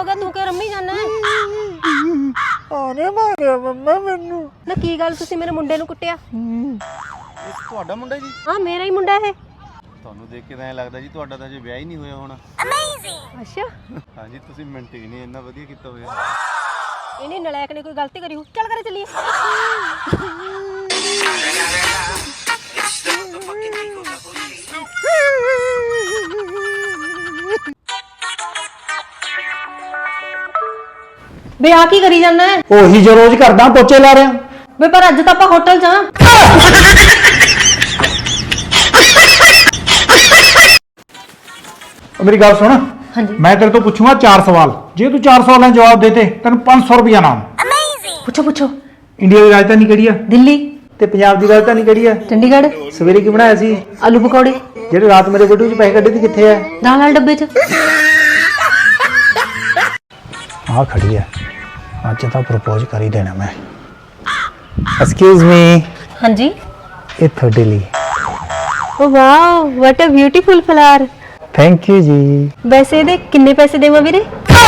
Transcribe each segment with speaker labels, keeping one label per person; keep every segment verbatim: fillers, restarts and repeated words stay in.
Speaker 1: हो गया तू क्या रम्मी जाना है?
Speaker 2: ਆਨੇ ਮਾਰਿਆ ਮੰਮਾ ਮੈਨੂੰ।
Speaker 1: ना की गल तुसी मेरे मुंडे नूं कुੱਟਿਆ?
Speaker 3: ਇਹ ਤੁਹਾਡਾ ਮੁੰਡਾ ਜੀ?
Speaker 1: हाँ मेरा ही मुंडा है।
Speaker 3: ਤੁਹਾਨੂੰ ਦੇਖ ਕੇ ਤਾਂ ਐਂ ਲੱਗਦਾ ਜੀ ਤੁਹਾਡਾ ਤਾਂ ਅਜੇ ਵਿਆਹ ਹੀ ਨਹੀਂ ਹੋਇਆ ਹੋਣਾ।
Speaker 1: अच्छा
Speaker 3: ਹਾਂਜੀ ਤੁਸੀਂ ਮੇਨਟੇਨ ਹੀ ਇੰਨਾ ਵਧੀਆ ਕੀਤਾ ਹੋਇਆ।
Speaker 1: इन्हें नलायक ने कोई गलती करी हो? चल करे चलिए। बे आ की करी जाना है?
Speaker 2: ਉਹੀ ਜੋ ਰੋਜ਼ ਕਰਦਾ ਪੋਚੇ ਲਾ ਰਿਹਾ।
Speaker 1: बे पर अज तो आप होटल जा।
Speaker 2: मेरी गल सुन।
Speaker 1: हाँ जी
Speaker 2: मैं तेरे तो पूछूंगा चार सवाल, जे तू चार सवालों के जवाब देते तेन पांच सौ रुपया नाम।
Speaker 1: पूछो पूछो।
Speaker 2: इंडिया की राजधानी किहड़ी है?
Speaker 1: दिल्ली।
Speaker 2: ते पंजाब की राजधानी किहड़ी है?
Speaker 1: चंडीगढ़।
Speaker 2: सवेरे की बनाया सी?
Speaker 1: आलू पकौड़े।
Speaker 2: जेडे रात मेरे बेटू च पैसे कड्ढे सी कित्थे है?
Speaker 1: दाल वाले डब्बे च।
Speaker 2: हाँ खड़ी है, अज तो प्रपोज कर ही देना मैं। Excuse me.
Speaker 1: हाँ जी।
Speaker 2: ये थोड़े लिए।
Speaker 1: Oh wow what a beautiful flower.
Speaker 2: Thank you जी।
Speaker 1: वैसे दे किन्ने पैसे देवां वीरे?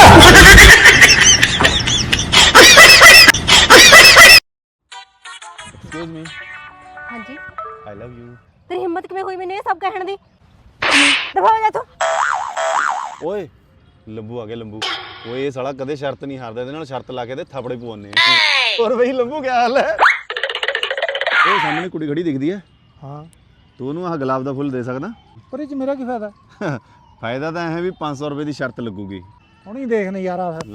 Speaker 3: Excuse me.
Speaker 1: हाँ जी।
Speaker 3: I love you.
Speaker 1: तेरी हिम्मत किवें हुई मैंने ये सब कहण दी? दफा हो जा तू।
Speaker 3: ਓਏ ਲੰਬੂ ਆ ਗਿਆ ਲੰਬੂ। ਓਏ ਇਹ ਸਾਲਾ ਕਦੇ ਸ਼ਰਤ ਨਹੀਂ ਹਾਰਦਾ, ਇਹਦੇ ਨਾਲ ਸ਼ਰਤ ਲਾ ਕੇ ਤੇ ਥਾਪੜੇ ਪਵਾਉਣੇ ਆ। ਹੋਰ ਬਈ ਲੰਬੂ ਕੀ ਹਾਲ ਹੈ? ਉਹ ਸਾਹਮਣੇ ਕੁੜੀ ਖੜੀ ਦਿਖਦੀ ਹੈ।
Speaker 2: हाँ
Speaker 3: ਤੂੰ ਉਹਨੂੰ ਆਹ ਗੁਲਾਬ ਦਾ ਫੁੱਲ ਦੇ ਸਕਦਾ?
Speaker 2: पर इस मेरा की फायदा?
Speaker 3: ਫਾਇਦਾ ਤਾਂ ਇਹ ਹੈ ਵੀ ਪੰਜ ਸੌ ਰੁਪਏ ਦੀ ਸ਼ਰਤ ਲੱਗੂਗੀ।
Speaker 2: हुण ही देख नजारा फिर।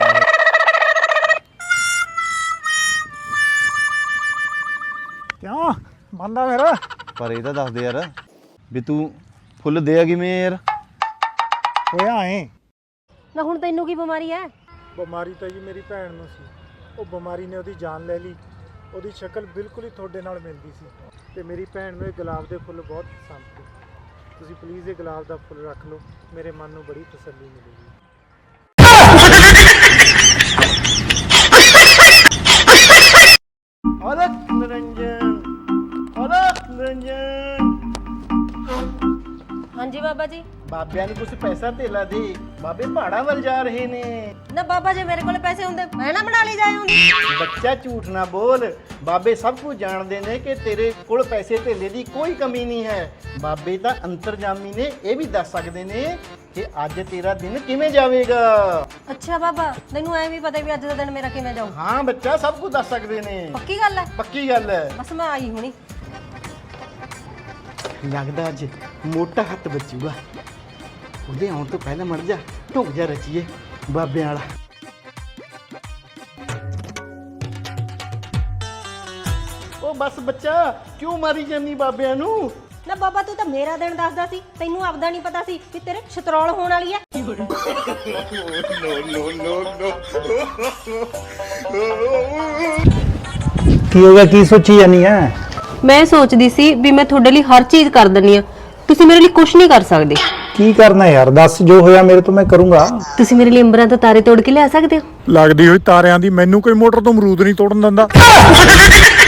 Speaker 2: क्यों बंदा मेरा?
Speaker 3: ਪਰ ਇਹ ਤਾਂ ਦੱਸ ਦੇ ਯਾਰ ਵੀ ਤੂੰ ਫੁੱਲ ਦੇਆ ਕਿਵੇਂ ਯਾਰ?
Speaker 2: होया है
Speaker 1: ना हुण तैनू की बीमारी है?
Speaker 2: ਬਿਮਾਰੀ ਤਾਂ ਜੀ ਮੇਰੀ ਭੈਣ ਨੂੰ ਸੀ। ਉਹ ਬਿਮਾਰੀ ਨੇ ਉਹਦੀ ਜਾਨ ਲੈ ਲਈ। ਉਹਦੀ ਸ਼ਕਲ ਬਿਲਕੁਲ ਹੀ ਤੁਹਾਡੇ ਨਾਲ ਮਿਲਦੀ ਸੀ ਤੇ ਮੇਰੀ ਭੈਣ ਨੂੰ ਇਹ ਗੁਲਾਬ ਦੇ ਫੁੱਲ ਬਹੁਤ ਪਸੰਦ ਸੀ। ਤੁਸੀਂ ਪਲੀਜ਼ ਇਹ ਗੁਲਾਬ ਦਾ ਫੁੱਲ ਰੱਖ ਲਓ, ਮੇਰੇ ਮਨ ਨੂੰ ਬੜੀ ਤਸੱਲੀ ਮਿਲੇਗੀ।
Speaker 4: अलग निरंजन अलग निरंजन
Speaker 1: हाँ जी बाबा जी।
Speaker 4: बाबिया ने कुछ पैसा तेला दे, बाबे पहाड़ा वल जा रहे ने।
Speaker 1: ना बाबा जी मेरे कोले पैसे होंदे मैं ना बना ली जाए होंदी।
Speaker 4: बच्चा झूठ ना बोल, बाबे सब कुछ जानते ने कि तेरे कोल पैसे तेले दी कोई कमी नहीं है। बाबे दा अंतरजामी ने ये भी दस सकते ने कि अज तेरा दिन किवें जावेगा।
Speaker 1: अच्छा बाबा तैनू ऐ भी पता भी अज दा दिन मेरा किवें जाऊ?
Speaker 4: हाँ बच्चा सब कुछ दस सकते ने।
Speaker 1: पक्की गल है?
Speaker 4: पक्की गल है।
Speaker 1: बस मैं आई हुणी।
Speaker 4: लगदा अज मोटा हत्थ बचूगा। ਉਹਦੇ ਆਉਣ ਤੋਂ ਪਹਿਲਾਂ ਮੜ ਜਾ ਢੁੱਕ ਜਾ ਰਚੀਏ ਬਾਬਿਆਂ ਵਾਲਾ। ਉਹ ਬਸ ਬੱਚਾ ਕਿਉਂ ਮਾਰੀ ਜਾਨੀ ਬਾਬਿਆਂ ਨੂੰ?
Speaker 1: ना बाबा तू तो मेरा दिन दसदा सी, तैनू आपदा नहीं पता सी कि तेरे छतरौल होण वाली है।
Speaker 2: ਕੀ ਹੋ ਗਿਆ? ਕੀ ਸੋਚੀ ਜਾਨੀ ਹੈ?
Speaker 1: मैं सोचदी सी भी मैं ਤੁਹਾਡੇ ਲਈ हर चीज कर ਦਿੰਨੀ ਆ, ਤੁਸੀਂ ਮੇਰੇ ਲਈ ਕੁਝ ਨਹੀਂ ਕਰ ਸਕਦੇ।
Speaker 2: ਕੀ ਕਰਨਾ ਯਾਰ? ਦੱਸ, ਜੋ ਹੋਇਆ ਮੇਰੇ ਤੋਂ ਮੈਂ ਕਰੂੰਗਾ।
Speaker 1: ਤੁਸੀਂ ਮੇਰੇ ਲਈ ਅੰਬਰਾਂ ਤੋਂ ਤਾਰੇ ਤੋੜ ਕੇ ਲਿਆ ਸਕਦੇ ਹੋ?
Speaker 2: ਲੱਗਦੀ ਹੋਈ ਤਾਰਿਆਂ ਦੀ ਮੈਨੂੰ ਕੋਈ ਮੋਟਰ ਤੋਂ ਅਮਰੂਦ ਨਹੀਂ ਤੋੜਨ ਦਿੰਦਾ।